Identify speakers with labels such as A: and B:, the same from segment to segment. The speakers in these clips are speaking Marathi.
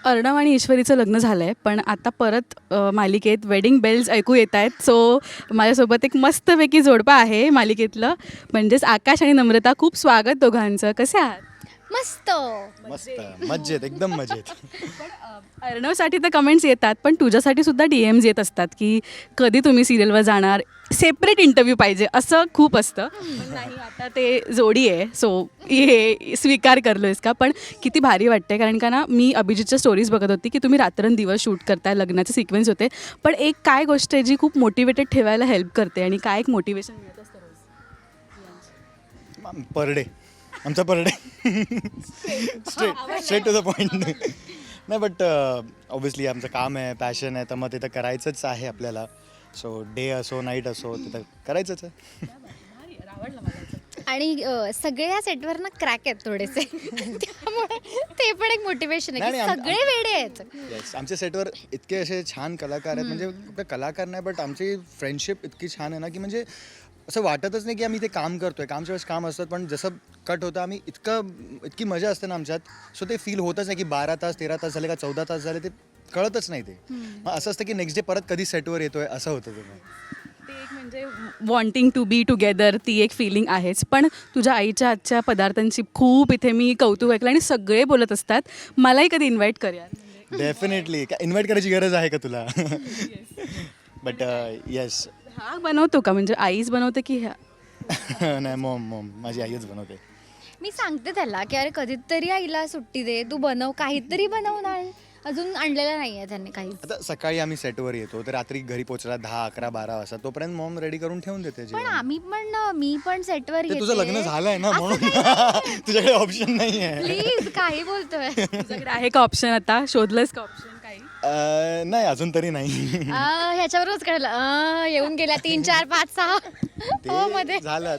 A: अर्णव आणि ईश्वरीचं लग्न झालं आहे, पण आता परत मालिकेत वेडिंग बेल्स ऐकू येत आहेत. सो माझ्यासोबत एक मस्तपैकी जोडपं आहे मालिकेतलं, म्हणजेच आकाश आणि नम्रता. खूप स्वागत दोघांचं. कसे आहात?
B: मस्त.
C: मस्त मजेत एकदम मजेत.
A: अर्णवसाठी तर कमेंट्स येतात, पण तुझ्यासाठी सुद्धा DMs येत असतात की कधी तुम्ही सिरियलवर जाणार, सेपरेट इंटरव्ह्यू पाहिजे, असं खूप असतं. पण नाही, आता ते जोडी आहे, सो हे स्वीकार करलोयस का? पण किती भारी वाटते, कारण का ना मी अभिजितच्या स्टोरीज बघत होती की तुम्ही रात्रंदिवस शूट करताय, लग्नाचे सिक्वेन्स होते. पण एक काय गोष्ट आहे जी खूप मोटिवेटेड ठेवायला हेल्प करते, आणि काय एक मोटिवेशन मिळत असतं रोज?
C: पर डे आमचा per day straight to the point. नाही बट ऑब्व्हियसली आमचं काम आहे, पॅशन आहे, तर मग ते तर करायचंच आहे आपल्याला. सो डे असो नाईट असो ते तर करायचंच आहे.
B: आणि सगळे या सेटवर ना क्रॅक आहेत थोडेसे. त्यामुळे ते पण एक मोटिवेशन आहे की सगळे वेडे आहेत.
C: येस, आमच्या सेटवर इतके असे छान कलाकार आहेत, म्हणजे फक्त कलाकार नाही बट आमची फ्रेंडशिप इतकी छान आहे ना की म्हणजे असं वाटतच नाही की आम्ही ते काम करतोय. कामच्या वेळेस काम असतात, पण जसं कट होतं आम्ही इतकी मजा असते ना आमच्यात. सो ते फील होतच नाही की 12 तास 13 तास झाले का 14 तास झाले, ते कळतच नाही. ते मग असं असतं की नेक्स्ट डे परत कधी सेटवर येतोय असं होतं. ते
A: एक म्हणजे वॉन्टिंग टू बी टुगेदर, ती एक फिलिंग आहेच. पण तुझ्या आईच्या आजच्या पदार्थांची खूप इथे मी कौतुक ऐकलं, आणि सगळे बोलत असतात. मलाही कधी इन्व्हाइट कर यार.
C: डेफिनेटली इन्व्हाइट करायची गरज आहे का तुला? But yes.
A: हा बनवतो का, म्हणजे आईच बनवते की ह्या?
C: नाही, मॉम माझी आईच बनवते.
B: मी सांगते त्याला की अरे कधीतरी आईला सुट्टी दे, तू बनव, काहीतरी बनवून आण. अजून आणलेलं नाही आहे त्यांनी काही.
C: आता सकाळी आम्ही सेटवर येतो तर रात्री घरी पोहोचला 10, 11, 12 वाजता. तोपर्यंत मॉम रेडी करून ठेवून देते जेवण.
B: मी पण सेटवर
C: ते
B: येते.
C: तुझं लग्न झालंय ना म्हणून तुझ्याकडे ऑप्शन नाही आहे.
B: प्लीज, काही बोलतोय.
A: तुझ्याकडे आहे का ऑप्शन? आता शोधलंस का ऑप्शन काही?
C: नाही अजून तरी नाही.
B: ह्याच्यावरच कळलं. येऊन गेल्या 3, 4, 5, 6 मध्ये.
C: ते झालं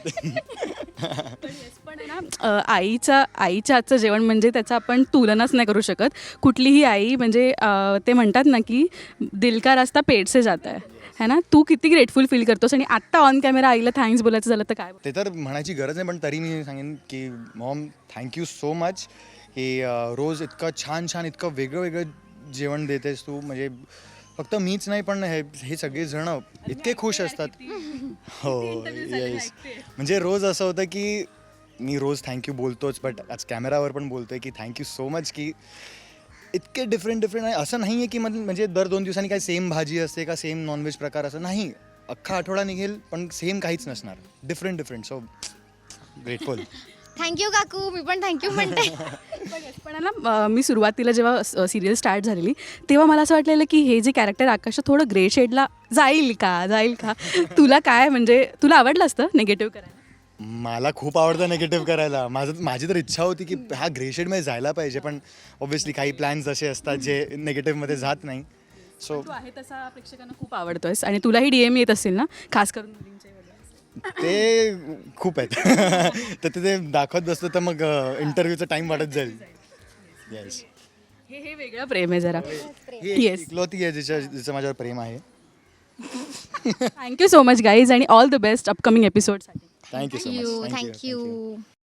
A: पण आहे ना, आईच्या हातचं जेवण म्हणजे त्याचा आपण तुलनाच नाही करू शकत. कुठलीही आई म्हणजे ते म्हणतात ना की दिल का रास्ता पेट से जाता है ना. तू किती ग्रेटफुल फील करतोस, आणि आत्ता ऑन कॅमेरा आईला थँक्स बोलायचं झालं तर काय?
C: ते तर म्हणायची गरज नाही, पण तरी मी सांगेन की मॉम थँक्यू सो मच की रोज इतकं छान इतकं वेगळं जेवण देतेस तू. म्हणजे फक्त मीच नाही, पण हे सगळेजण इतके खुश असतात. हो येस. म्हणजे रोज असं होतं की मी रोज थँक्यू बोलतोच, बट आज कॅमेरावर पण बोलतोय की थँक्यू सो मच की इतके डिफरंट आहे. असं नाही आहे की म्हणजे दर 2 दिवसांनी काही सेम भाजी असते का सेम नॉनव्हेज प्रकार, असं नाही. अख्खा आठवडा निघेल पण सेम काहीच नसणार. डिफरंट. So grateful.
B: थँक्यू काकू. मी पण थँक्यू म्हणते.
A: पण आहे ना, मी सुरुवातीला जेव्हा सिरियल स्टार्ट झालेली तेव्हा मला असं वाटलेलं की हे जे कॅरेक्टर आकाश थोडं ग्रे शेडला जाईल का. तुला काय, म्हणजे तुला आवडलं असतं निगेटिव्ह करायला?
C: मला खूप आवडतं निगेटिव्ह करायला. माझी तर इच्छा होती की हा ग्रे शेडमध्ये जायला पाहिजे, पण ऑब्व्हियसली काही प्लॅन्स असे असतात जे निगेटिव्हमध्ये जात नाही. सो
A: तू आहे तसा प्रेक्षकांना खूप आवडतोयस, आणि तुलाही DM येत असेल ना, खास करून मुलींचे वगैरे?
C: ते खूप आहेत. तर ते दाखवत बसतो तर मग इंटरव्ह्यूचा टाइम वाढत जाईल. येस.
A: हे वेगळं प्रेम आहे जरा.
C: ही
A: येस.
C: इकलौती आहे जिचं माझ्यावर प्रेम आहे.
A: थँक्यू सो मच गाईज, आणि ऑल द बेस्ट अपकमिंग एपिसोडसाठी.
C: Thank you so much.
B: थँक्यू.